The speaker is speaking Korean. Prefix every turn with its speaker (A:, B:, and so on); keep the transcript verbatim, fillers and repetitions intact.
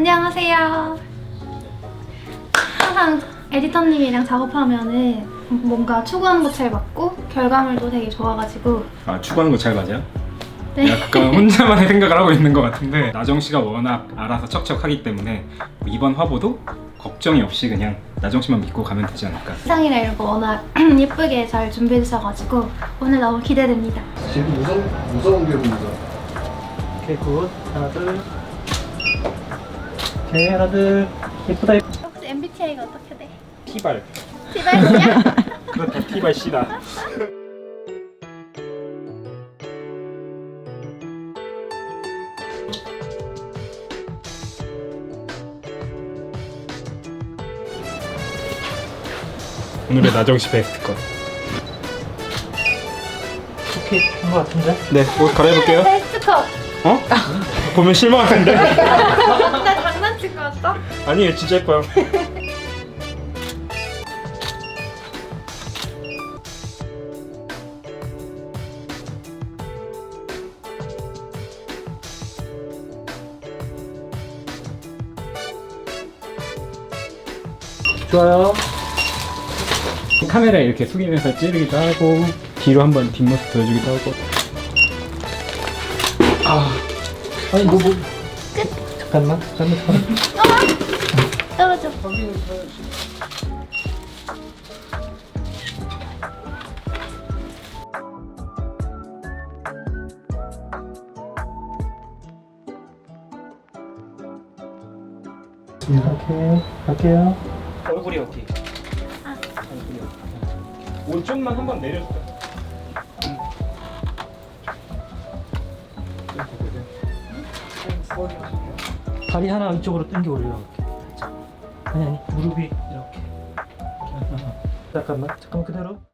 A: 안녕하세요. 항상 에디터님이랑 작업하면은 뭔가 추구하는 거 잘 맞고 결과물도 되게 좋아가지고.
B: 아, 추구하는 거 잘 맞아요?
A: 네.
B: 약간 혼자만의 생각을 하고 있는 것 같은데 나정 씨가 워낙 알아서 척척하기 때문에 이번 화보도 걱정이 없이 그냥 나정 씨만 믿고 가면 되지 않을까.
A: 의상이나 이런 거 워낙 예쁘게 잘 준비해 주셔가지고 오늘 너무 기대됩니다.
C: 지금 무서운, 무서운 게 보이죠?
D: 오케이 굿 하나 둘 오케이 하나 둘 예쁘다 예쁘다.
A: 혹시 엠비티아이가 어떻게 돼?
B: T발.
A: 티발이야?
B: 그렇다, T발 C다. 오늘의 나정 씨 베스트 컷.
D: 오케이 한 거 같은데?
B: 네, 옷 갈아입을게요.
A: 베스트 컷!
B: 어? 보면 실망하는데?
A: 나 장난친 거 같다?
B: 아니에요, 진짜 예뻐요.
D: 좋아요.
B: 카메라 이렇게 숙이면서 찌르기도 하고 뒤로 한번 뒷모습 보여주기도 하고.
D: 아 아니 뭐 뭐. 잠깐만 잠깐만 잠깐만.
A: 떨어져.
D: 오케이 갈게요.
B: 얼굴이 어디?
A: 아.
B: 얼굴이 어디? 옷 좀만 한번 내려줄까?
D: 다리 하나 이쪽으로 당겨 올려 이렇게. 아니 아니 무릎이 이렇게. 잠깐만 잠깐만 그대로.